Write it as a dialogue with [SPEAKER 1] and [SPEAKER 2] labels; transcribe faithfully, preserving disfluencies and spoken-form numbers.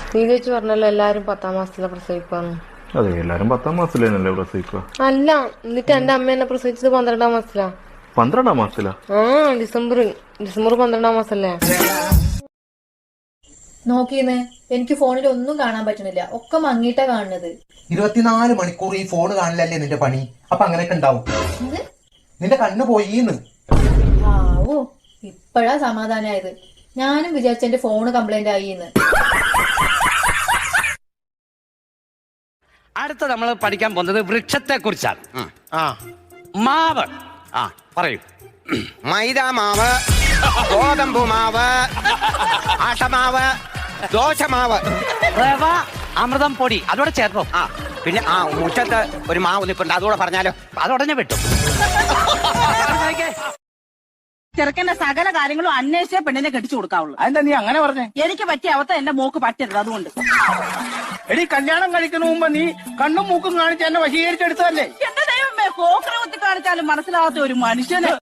[SPEAKER 1] നീ ചേച്ചി പറഞ്ഞല്ലോ എല്ലാരും പത്താം മാസത്തിലെ പ്രസവിക്കാന്ന്.
[SPEAKER 2] അതെ, എല്ലാരും പത്താം മാസത്തിലല്ലേ പ്രസവിക്കുക?
[SPEAKER 1] അല്ല, എന്നിട്ട് എന്റെ അമ്മ എന്നെ പ്രസവിച്ചത് പന്ത്രണ്ടാം മാസത്തിലാ.
[SPEAKER 2] പന്ത്രണ്ടാം മാസത്തിലാ?
[SPEAKER 1] ആ, ഡിസംബർ ഡിസംബർ പന്ത്രണ്ടാം മാസല്ലേ.
[SPEAKER 3] നോക്കിയെന്ന് എനിക്ക് ഫോണിൽ ഒന്നും കാണാൻ പറ്റുന്നില്ല, ഒക്കെ മങ്ങിയിട്ടാ കാണുന്നത്.
[SPEAKER 4] ഇരുപത്തിനാല് മണിക്കൂർ ഈ ഫോൺ കാണില്ലല്ലേ നിന്റെ പണി? അപ്പൊ അങ്ങനെയൊക്കെ ഉണ്ടാവും. നിന്റെ കണ്ണ് പോയിന്ന്.
[SPEAKER 3] ആവോ, ഇപ്പഴാ സമാധാനായത്. ഞാനും വിചാരിച്ച എന്റെ ഫോണ് കംപ്ലൈന്റ് ആയിന്ന്.
[SPEAKER 5] അടുത്ത നമ്മൾ പഠിക്കാൻ പോകുന്നത് വൃക്ഷത്തെ കുറിച്ചാണ്. മാവ്. ആ പറയൂ.
[SPEAKER 6] മൈദ മാവ്, ഗോതമ്പ് മാവ്, ആട്ടമാവ്, ദോശമാവ്,
[SPEAKER 5] റവ, അമൃതം പൊടി അതോടെ ചേർത്തോ.
[SPEAKER 6] ആ പിന്നെ ആ മുറ്റത്ത് ഒരു മാവ് നിൽപ്പുണ്ട്, അതുകൂടെ പറഞ്ഞാലോ?
[SPEAKER 5] അതോടനെ വെട്ടും.
[SPEAKER 7] ചെറുക്കന്റെ സകല കാര്യങ്ങളും അന്വേഷിച്ചേ പെണ്ണിനെ കെട്ടിച്ചു കൊടുക്കാവുള്ളൂ.
[SPEAKER 8] അതെന്താ നീ അങ്ങനെ പറഞ്ഞേ?
[SPEAKER 7] എനിക്ക് പറ്റിയ അവസ്ഥ എന്റെ മോക്ക് പറ്റരുത്, അതുകൊണ്ട്.
[SPEAKER 8] എടി, കല്യാണം കഴിക്കുന്ന മുമ്പ് നീ കണ്ണും മൂക്കും കാണിച്ച് എന്നെ വശീകരിച്ചെടുത്തതല്ലേ?
[SPEAKER 7] എന്റെ ദൈവമേ, കോക്കറ കുത്തി കാണിച്ചാലും മനസ്സിലാവാത്ത ഒരു മനുഷ്യന്